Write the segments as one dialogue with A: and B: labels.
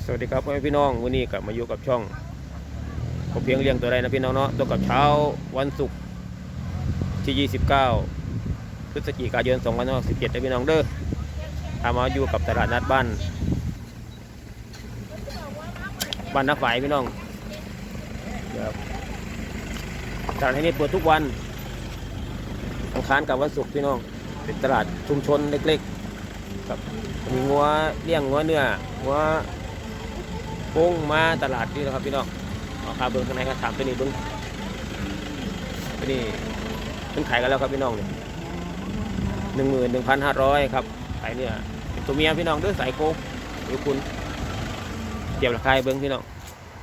A: สวัสดีครับพ่อแม่พี่น้องวันนี้กลับมาอยู่กับช่องผมเพียงเลี้ยงตัวใดนะพี่น้องเนาะตัวกับเช้าวันศุกร์ที่29พฤศจิกายน2567นะพี่น้องเด้อทำมาอยู่กับตลาดนัดบ้านนักฝ่ายพี่น้องตลาดที่นี่เปิดทุกวันอังคารกับวันศุกร์พี่น้องเป็นตลาดชุมชนเล็กๆครับมีงัวเลี้ยงงัวเนื้องัวกุ้งมาตลาดนี่นะครับพี่น้องราคาเบิ้งข้างในก็ถามตัวนี้เบิ้งตัวนี้เพิ่งขายกันแล้วครับพี่น้องเนี่ย11,500ครับขายเนี่ยตัวเมียพี่น้องด้วยสายโค้งหรือคุณเทียบราคาเบิ้งพี่น้อง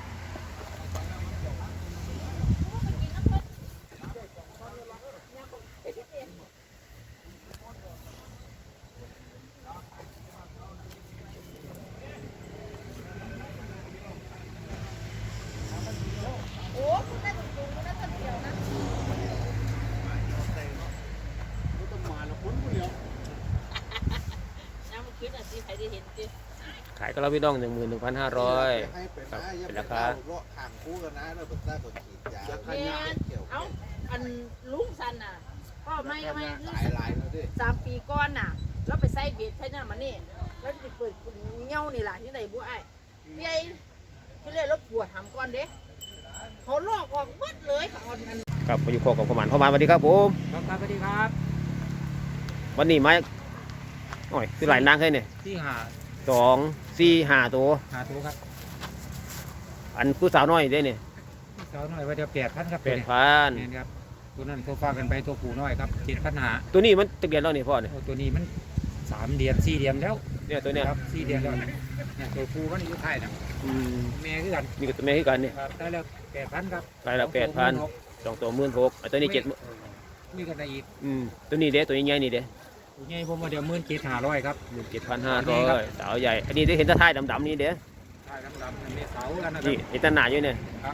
A: ขายก็แล้วพี่น้อง11,500ครับเป็นราคา
B: ห่างคู่กันนะเราเป็นได้คนขีดยา
C: เอาอันลุงสันน่ะก็ไม่
B: ลายแล้วดิ
C: 3 ปีก่อนน่ะแล้วไปใส่เบียดใช่น่ะมันนี่แล้วจะเปิดเงี้ยวนี่แหละที่ไหนบัวไอ้พี่ไอ้ที่เรียกรถปวดหำก้อนเด้เขาลอกออกหมดเลยเขาอัน
A: ครับมาอยู่โคกับประมาณสวัสดีครับผม
D: ครับสวัสดีครับ
A: วันนี้ไม้โอ้ยคือหลายนางใช่เนี่ย
D: ที่
A: 2 4 5ตัว
D: ครับ
A: อันผู้สาวน้อยได้เนี่ย
D: ผู้สาวน้อยว่าจะ8,000ครับ
A: 8,000
D: นี่ครับตัวนั้นตัวฟ้ากันไปตัวผู้น้อยครับ7,500
A: ตัวนี้มันตะเกียนแล้วนี่พ่อเนี่ย
D: ตัวนี้มัน3 เดือน 4 เดือนแล้ว
A: เนี่ยตัวเนี้ย
D: ครับ4 เดือนแล้วเนี่ยตัวผู้มันอยู่ไทยนะแม่คือกัน
A: นี่ก็ตัวแม่คือกันเนี่ย
D: ได้แล้ว8,000ครับ
A: ได้แล้ว8,000 2 ตัว16ตัวนี้7
D: มีกันได้อีก
A: ตัวนี้เด้ตัวใหญ่นี่เด้
D: ตัวใหญ่ผมว่าเดี๋ยว17,500ครับ
A: 17,500สาวใหญ่อันนี้ได้เห็นตะไทยดำๆนี่เด้
D: ท้ายดำๆมีเสากันนะ
A: นี่เห็นตะหนาอยู่เนี่ย
D: ครับ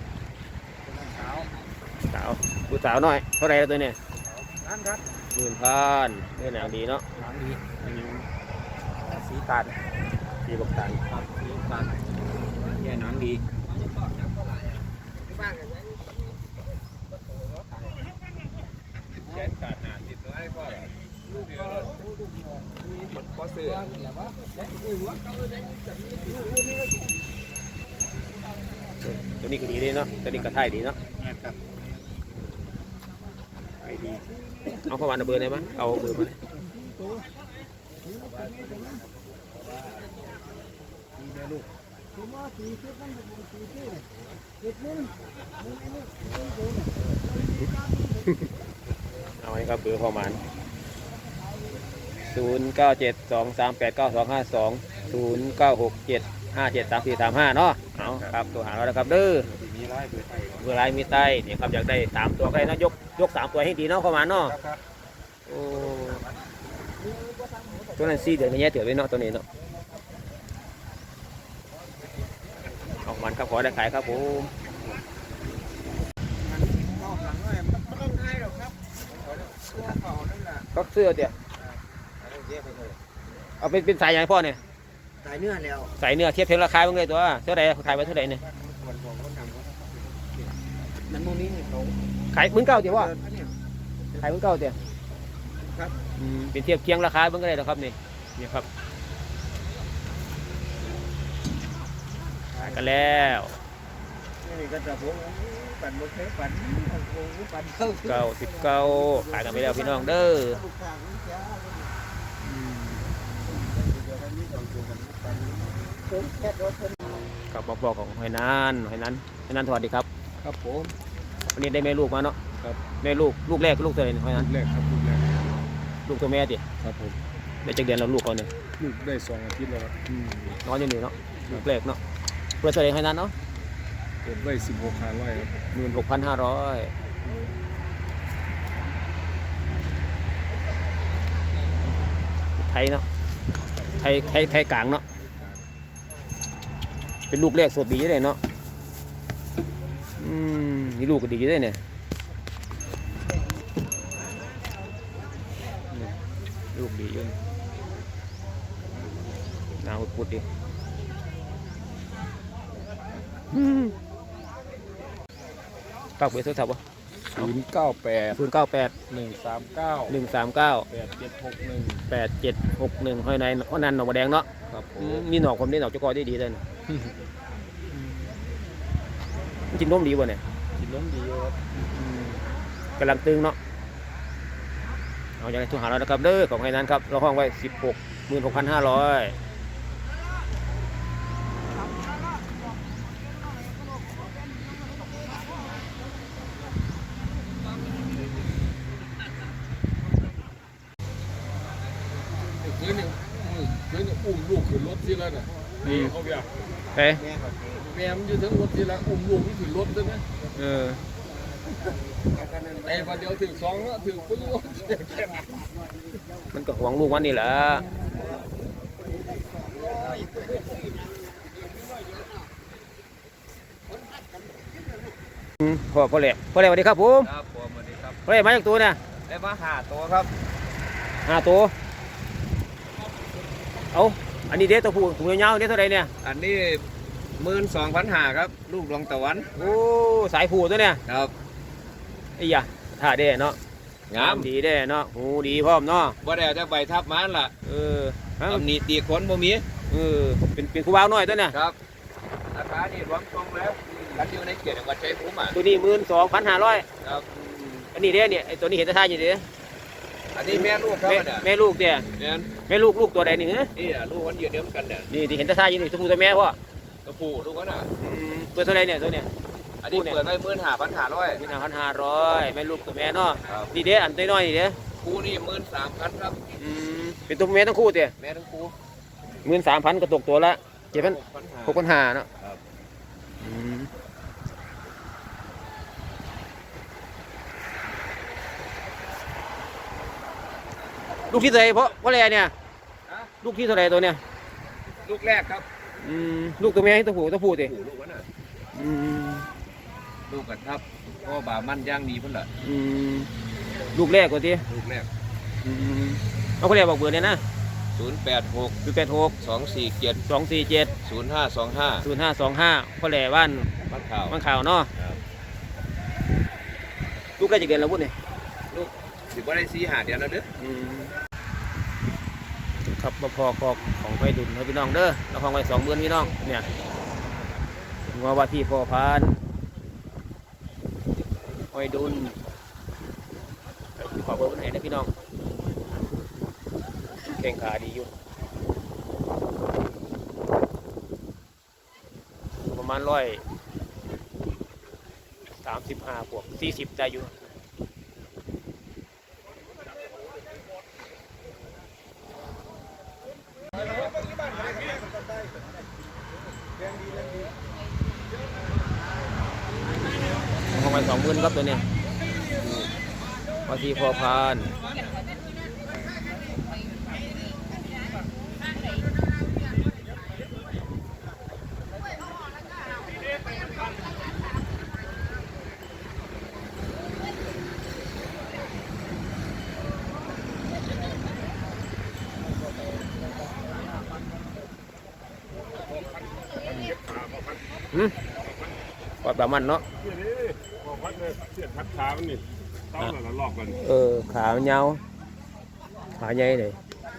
A: สาวผู้สาวน้อยเท่าไรแล้วตัวเนี่ย
D: นั่นครับ
A: 10,000เนี่ยหนังดีเนาะ
D: หนังดีสีตาล
A: สีบักตาล
D: ครับสีตาลแย่หนังดี
A: ตัวนี้ก็ดีเลยเนาะตัวนี้ก็ถ่ายดีเนาะไปดีเอาเข้ามาเบอร์ได้ไหมเอาเบอร์มาเลยเอาไว้ครับเบอร์ประมาณ0972389252 0967573435เนาะเอาครับตัวหาเราแล้วครับเด้อเบอร์ไลน์มีใต้เนี่ยครับอยากได้3ตัวใครนะยก3ตัวให้ดีเนาะประมาณเนาะโอ้ตัวนั้น4 เดือนไม่แย่เถื่อนไว้เนาะตัวนี้เนาะออกมันครับขอได้ขายครับผมก็เสื้อเดี๋ยวเอาเป็นสายใหญ่พ่อเนี่ย
B: สายเนื้อแล้ว
A: สายเนื้อเทียบเทียบราคาเป็นไงตัวเท่าไหร่ขายไปเท่าไหร่เนี่ย
B: มันโมนี้เขา
A: ขาย19,000เดี๋ยวว่าขาย19,000เดี๋ยว
B: ครับ
A: เป็นเทียบเคียงราคาเป็นไงนะครับนี่ครับขายกันแล้ว
B: นี่ก็จะพวกปั่นบนเทปปั่น
A: 19ขายกันไปแล้วพี่น้องเด้อกับบอกของหอยนานสวัสดีครับ
B: ครับผม
A: วันนี้ได้แม่ลูกมาเนาะ
B: ครับ
A: แม่ลูกแรกลูกตัวไหนหอยนาน
B: ลูกแรกครับ
A: ลูกตัวแม่ดิ
B: ครับผม
A: ได้จากเดือนแล้วลูกเขาเนี่ย
B: ลูกได้2 อาทิตย์แล้วครับ
A: น้อยอยู่เนาะลูกแรกเนาะเพื่อเท่าไหร่หอยนานเนาะ
B: เปิดได้16,500ครับ
A: 16,500ไทยเนาะไทยกลางเนาะเป็นลูกแรกสดดีเลยเนาะนี่ลูกก็ดีเลยเนี่ยลูกดีอยู่หน้าอุดดิฝากเบอร์โทรศัพท์วะ
B: 098
A: 098
B: 139
A: 139
B: 8761
A: 8761ห้อยในห้อยนันหนองบัวแดงเนาะ
B: ครับผ
A: อืม
B: ม
A: มีหนอกผมได้หนอกเจ้ากอได้ดีเลยนะมันกินนมดีบ่เนี่ย
B: กินนมดีครับ
A: กำลังตึงเนาะเอาอย่างไรทุกหาเรานะครับเด้อของไอ้นั้นครับเราห้องไว้ 16,500
B: คืนนึงอุ้มลูกขึ้นรถทีละน่ะนี่เขาอยาก
A: เฮ้ย
B: แม่มันอยู่ถึงรถทีละอุ้มลูกมันขึ้นรถด้วยนะ
A: เออ
B: ไอ้วันเดียวถึง2แล้วถึงปุ๊บ
A: มันก็หวงลูกมันนี่แหละพ่อแหล่สวัสดีครับผม
B: ครับผมสวัสดีครับ
A: พ่อแหล่มาจากตัวเนี่ย
B: ได้มา5ตัวครับ
A: 5 ตัวเอาอันนี้เด็ดตัวผู้ถุงยาวๆเด็ดเท่าไหรเนี่ย
B: อันนี้12,500ครับลูกดวงตะวัน
A: โอ้สายผู้ตัวเนี่ย
B: ครับ
A: ไอ้ยะท่าเด้เนาะ
B: งาม
A: ดีเด้เนาะหูดีพร้อมเนาะ
B: บ่ได้เอาแต่ใบทับมันล่ะ
A: เออฮะ
B: ตำหนิตีขนบ่มี
A: เออเป็นครูบ่าวน้อยตัวเนี่ย
B: ครับราคานี่รวมตรงแล้วกันอยู่ในเขตจังหวัดชัยภูมิอ่ะ
A: ตัวนี้12,500
B: ครับ
A: อันนี้เด้เนี่ยไอ้ตัวนี้เห็นท่าอยู่เด้
B: อันนี้แม่ลูกครับเนี่ย
A: แม่ลูกเด้
B: เนี่ย
A: แม่ลูกตัวใดนี่ฮะ
B: นี่อ่ะลูกมันเดียวกันเนี่ย
A: นี่ที่เห็นท่าอยู่นี่ตัวผู้ตัวแม่พ่อ
B: ตัวผู้ลูกมันอ่ะ
A: เปิดเท่าไหรเนี่ยตัวเนี่ย
B: อันนี้เปิดไว้15,500
A: 15,500แม่ลูกตัวแม่เนาะ
B: ครับ
A: นี่เด้อันน้อยๆนี่เด้
B: คู่นี่13,000ครับ
A: เป็นตัวแม่ทั้งคู่เด้
B: แม่ทั้งคู่
A: 13,000ก็ตกตัวละ
B: 6,500
A: 6,500เนาะ
B: ครับ
A: ลูกที่เท่าไหรเพราะอะไรเนี่ย
B: ฮะ
A: ลูกที่เท่าไหรตัวเนี่ย
B: ลูกแรกครับ
A: ลูกตัวแม่ตัวผู้เด้
B: ผู้ลูกมันอ่ะลูกกันครับพ่อบามันย่างดีพุ่นล่ะ
A: ลูกแรกกว่าที
B: ลูกแรก
A: เอาคนแรกบอกเบอร์เนี่ยนะ
B: 086
A: 086
B: 247
A: 247
B: 0525
A: 0525คนแรกบ้าน
B: บ้านข่าว
A: บ้านข่าวเนาะ
B: ครับ
A: ลูกใกล้จะเกินแล้วพุ่นเนี่ย
B: ลูกสิบ่ได้4-5เดือนแล้วเด้อ
A: ครับมาพอของไฟดุลครับพี่น้องเด้อเราของไว้20,000พี่น้องเนี่ยงัวว่าที่พ่อพานไฟดุลขอเบอร์คนไหนนะพี่น้องแข่งขาดีอยู่ประมาณ135 บวก 40ได้อยู่ของไป20,000ครับตัวเนี้ยว่าที่พอพานปลอดประมันเนาะ
E: พอพัดเลยเสียดพัดขามันนี่ต้องหละลอกกัน
A: ขาเงาขาใหญ่เลย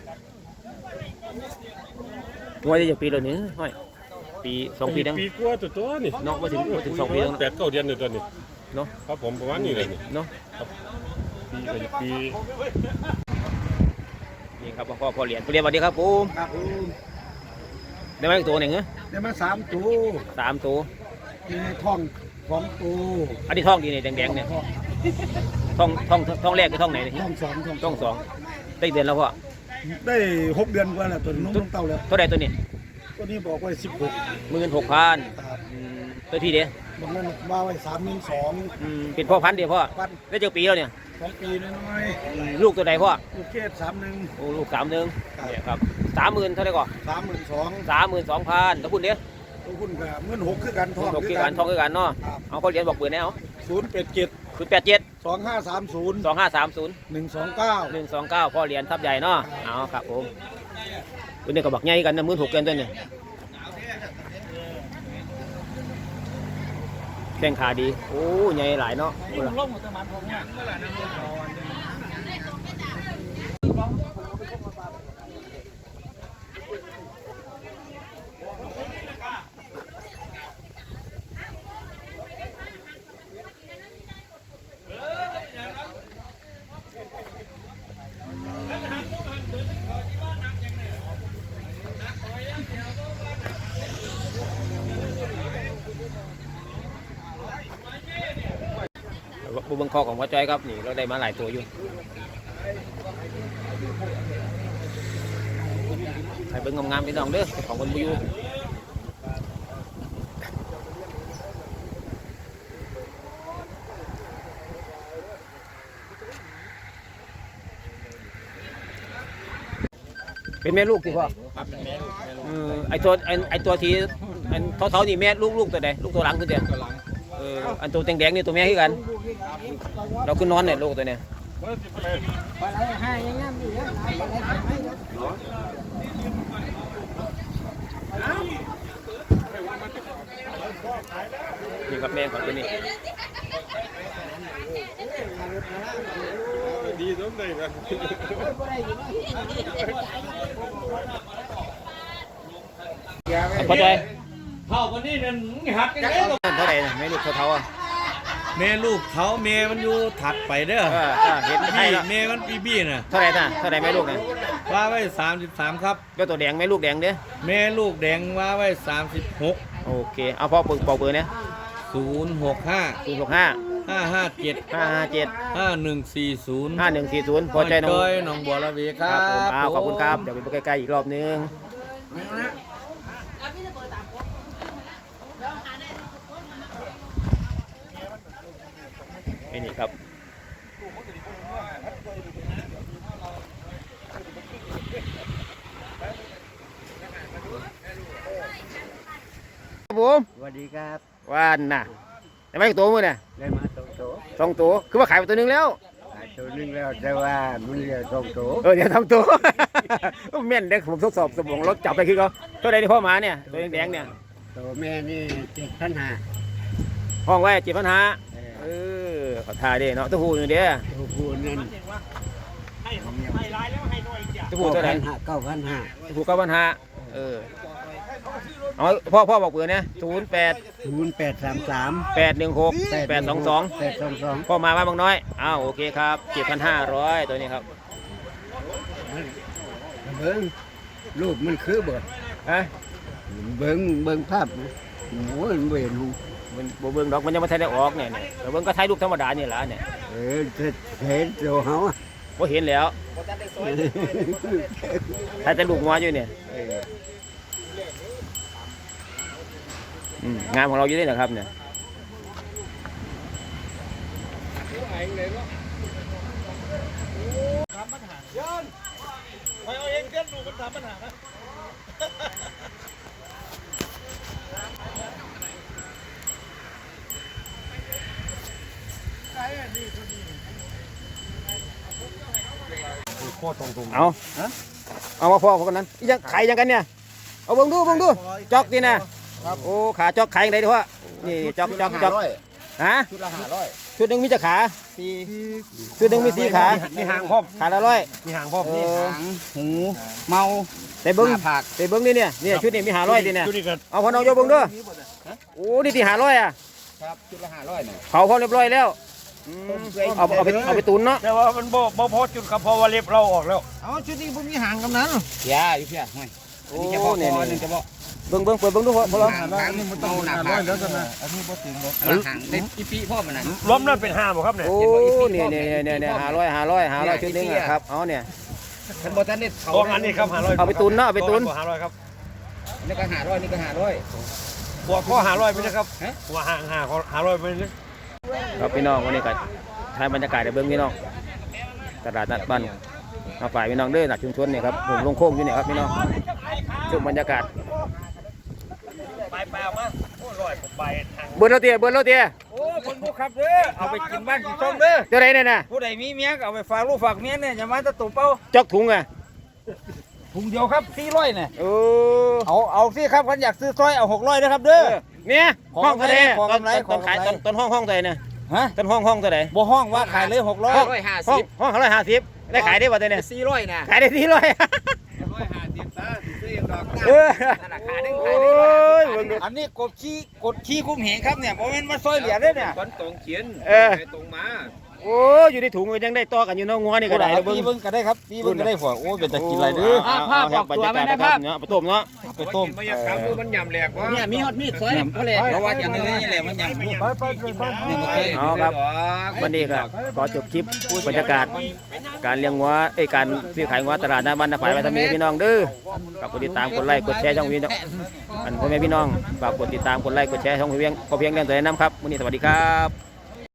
A: งวดจะปีแล้วนี่ห้อยปี2 ปีดัง
E: ปีกว่าตัวนี่
A: เนาะมาถึง2 ปีแล้ว
E: 8-9 เดือนอยู่ตัวนี้
A: เนาะ
E: ครับผมประมาณนี้เลยนี่
A: เนาะ
E: ปีกับปี
A: นี่ครับพ่อเหรียญสวัสดีครับผม
B: ครับผม
A: ได้มาอีกตัวหนึ่งเหรอ
B: ได้มา3ตัว
A: 3 ตัว
B: มีท้อง2ตัว
A: อันนี้ท่องดีเนี่ยแดงๆเนี่ยท่องแรกคือท่องไหนเนี่ย
B: ท้อง2
A: ท่อง 2ได้เดือนแล้วพ่อ
B: ได้6เดือนกว่าแล้วตัวน้องเต้าแล้ว
A: เท่าไหร่ตัวนี้
B: ตัวนี้บอกไว้16
A: 16,000
B: ครับ
A: ตัวที่เดียว
B: บางนั้นว่าไว้32,000
A: เป็นพ่อพันธุ์เดียวพ่อ
B: ปัน
A: ได้เจ้าปีแล้วเนี่ย
B: 2 ปีน้อย
A: ลูกตัวใดพ่อ
B: ๆลูกเกด31
A: โอ้ลูก31เนี่ยครับ30,000เท่าไหร่ก่อน
B: 32,000
A: 32,000ถ้าคุณเดียว
B: ตัวคุณก็16,000คือกันท้อง
A: ท่องคือกันท่องคือกันเนาะ
B: ครับ
A: เอาเขาเรียนบอกเบอร์แนว
B: 087
A: 087
B: 2530
A: 2530
B: 129
A: 129พ่อเรียนทับใหญ่เนาะเอาครับผมตัวนี้ก็บักใหญ่กันนะ16,000ตัวนี้แข้งขาดีโอ้ใหญ่หลายเนาะ
D: ล่มหมดตะมันผมเนี่ย
A: บุบังคอของพ่อจ้อยครับนี่เราได้มาหลายตัวอยู่ใส่เบิ้งงามๆพี่น้องเด้อของคนบุยูเป็นแม่ลูกที่พ่อ
D: ครับเป็นแม่ลูก
A: ไอตัวที่อันเท่าๆนี่แม่ลูกตัวใดลูกตัวหลังคือเดียว
D: กำลัง
A: อันตัวแดงๆนี่ตัวแม่คือกัน เราคือนอนเนี่ยลูกตัวเนี้ยนี่ครับแม่ของตัวนี้
E: ดีสมเลยนะ
A: เข้าใจ
B: เท่าวันนี้นั่นหักกันแล้ว
A: เท่าไหร่นะแม่ลูกเท่าๆอ่ะ
B: แม่ลูกเขาแม่มันอยู่ถัดไปเด้อ
A: เห็นใช่
B: บี้
A: แล้ว
B: แม่มันบี้น่ะ
A: เท่าไหร่น่ะเท่าไหร่แม่ลูกน่ะ
B: ว่าไว้33ครับ
A: ก็ตัวแดงแม่ลูกแดงเด้อ
B: แม่ลูกแดงว่าไว้36
A: โอเคเอาพ่อเปิดเบอร์เนี่ย
B: 065
A: 065
B: 557
A: 557
B: 5140
A: 5140พอใจน้อง
B: จ้อยหนองบัวระเวค
A: ค
B: รั
A: รั
B: บบ
A: ผมขอบคุณครับเดี๋ยวไปใกล้ๆอีกรอบนึงนี่ครับผม
D: สวัสดีครับ
A: ว่านน่ะได้ไหมตัวมือเนี่ย
D: ได้มา2
A: 2ตัวคือว่าขายไปตัวหนึงแล้ว
D: ตัวนึงแล้วแต่ว่ามันเหลือ2 ตัว
A: เดี๋ยวทำตัว แม่นเด็กผมทดสอบสมองรถจับไปคือเขาเท่าไรที่พ่อมาเนี่ยตัวแดงๆเนี่ย
D: ตัวแม่นี่7,500
A: ห้องไว้7,500ขอทายดิเนาะตัวผู้หนึ่งเดียว
D: ตัวผู้นั่น
A: ตัวผู้เท่าไหร่
D: 9,500
A: ตัวผู้9,500เอาพ่อบอกเบอร์เนี่ย08
D: 0833
A: 816 822
D: 822
A: พ่อมาบ้านบางน้อยอ้าวโอเคครับ7,500ตัวนี้ครับ
D: เบิ้งรูปมันคือเบิด
A: ฮะ
D: เบิ้งภาพโอ้ยมันเห็นรูป
A: มันบ่เบิ่งดอกมันยังไม่ทันได้ออกเนี่ยแต่เบิ่งก็ถ่ายรูปธรรมดานี่แหละเนี่ย
D: เห็นตัวเขาอะ
A: บ่เห็นแล้วถ่ายแต่ลูกงัวอยู่เนี่ยงานของเราอยู่นี่นะครับเนี่ยเอามาพ่อคนนั้นยังไข่ยังกันเนี่ยเอาเบิ่งดูจอกดีนะโอ้ขาจอกไข่ยังไงดีวะนี่จอกฮะ
D: ชุดละ500
A: ชุดหนึ่งมีจะขาชุดหนึ่งมี4 ขา
D: มีหางครบ
A: ขาละ100
D: มีหางครบมีหางหูเมา
A: แต่เบิ้ง
D: หน้าผาก
A: แต่เบิ้งนี่เนี่ยชุดนี้มี500ดิเนี่ย
D: ชุดนี้ก็
A: เอาพอน้องโยเบิ้งด้วยโอ้นี่ที่500อ่ะ
D: ครับชุดละ500เนี่ย
A: เผาพอเรียบร้อยแล้วเอาไปตุนเนาะ
B: แต่ว่ามันบ่พอจุดครับเพราะว่าเล็บเราออกแล้ว
D: เอาชุดนี้ผมมีหางกำนั้นเสียอยู่เพี้ยห่วย
A: โอ้
D: นี่จะบอก
A: เนี่ย
D: นึงจะบอก
A: เบิ้งเปิดเบิ้งดูพอลอง
D: หางนี่มันต้องหนาผากแล้วนะอันนี้บ่ถึงหรอกหางได้อีปีพ่อมันน่ะ
B: ล้มนั่นเป็น5บ่ครับเนี่ย
A: โอ้เนี่ย500ชุดนึงครับเอาเนี่ย
D: ท่านบ่ทันได้เขา
B: ของอันนี้ครับ500
A: เอาไปตุนเนาะเอาไปตุน
B: 500ครับ
D: นี่ก็500นี่ก็500
B: หัวข้อ500ไปนะครับหัวห่าง500ไปเลย
A: ครับพี่น้องวันนี้ก็ถ่ายบรรยากาศในเบิ้งพี่น้องตลาดนัดบ้านมาฝ่ายพี่น้องเด้อหลักชุมชนเนี่ยครับผมลงโค้งอยู่เนี่ยครับพี่น้องชมบรรยากาศ
B: ไปเอามาโอ้100ผมไปทาง
A: เบิ้งเราเตี้ย
B: โอ้คนผู้ขับเด้อเอาไปกินบ้านกินช่องเด้อ
A: เจ้าไรเนี่ยนะ
B: ผู้ใดมีเมียก็เอาไปฝากลูกฝากเมียเนี่ยอย่ามาตะตุ่มเป้า
A: จอกถุงอ่ะ
B: ถุงเดียวครับ400เนี่ย
A: โอ้
B: เอาสิครับคันอยากซื้อซอยเอา600นะครับเด้อ
A: เนี่ย
F: ขอ
A: ห้องเท่าไหร่
F: ขอกำไร
A: ต้นขาย
F: ขอกำไร
A: ต้นห้องเท่าไหร่เนี่ย
F: ฮะ
A: ต้นห้องเท่าไหร่
F: บ่ห้องว่าขายเลย600
A: ห้อง150ได้ขายได้บ่ตัวเนี่ย
D: 400นะ
A: ขายได้400
D: 150ซะซื้ออย่างดอก
A: เออ
D: ธนาคารนึง
A: โอ้
D: ขายได้
A: ย
F: อันนี้กดขี้คุ้มเหงครับเนี่ยบ่แม่นมาซอยเหลือเด้อเนี่ย
D: คนตรงเขียน
A: เออ
D: ตรงมา
A: โอ้อยู่ในถุงก็ยังได้ต่อกันอยู่เนาะงัวนี่ก็ได้
F: ปีเบิ่งก็ได้ครับปีเบิ่งก็ได้พอโอ้เป็นตะกินอะไรเด้อ
A: ภาพออกตัวมันได้ภาพเนาะไปต้มเนาะ
F: ไปต้ม
D: มันอยากขำมันยำแหลกวะ
C: เนี่ยมีฮอตมีดซอยเขาเลย
F: เพราะว่าอย่างนี้นี่แหละมันยังนี่บ่เคย
A: เอาครับวันนี้ก็ขอจบคลิปบรรยากาศการเลี้ยงงัวการซื้อขายงัวตลาดหน้าบ้านนาฝ่ายไว้ทำนี้พี่น้องเด้อฝากกดติดตามกดไลค์กดแชร์ช่องพี่น้องอันพ่อแม่พี่น้องฝากกดติดตามกดไลค์กดแชร์ช่องพี่เพียงเลี้ยงตัวแนะนำครับวันนี้สวัสดีครับ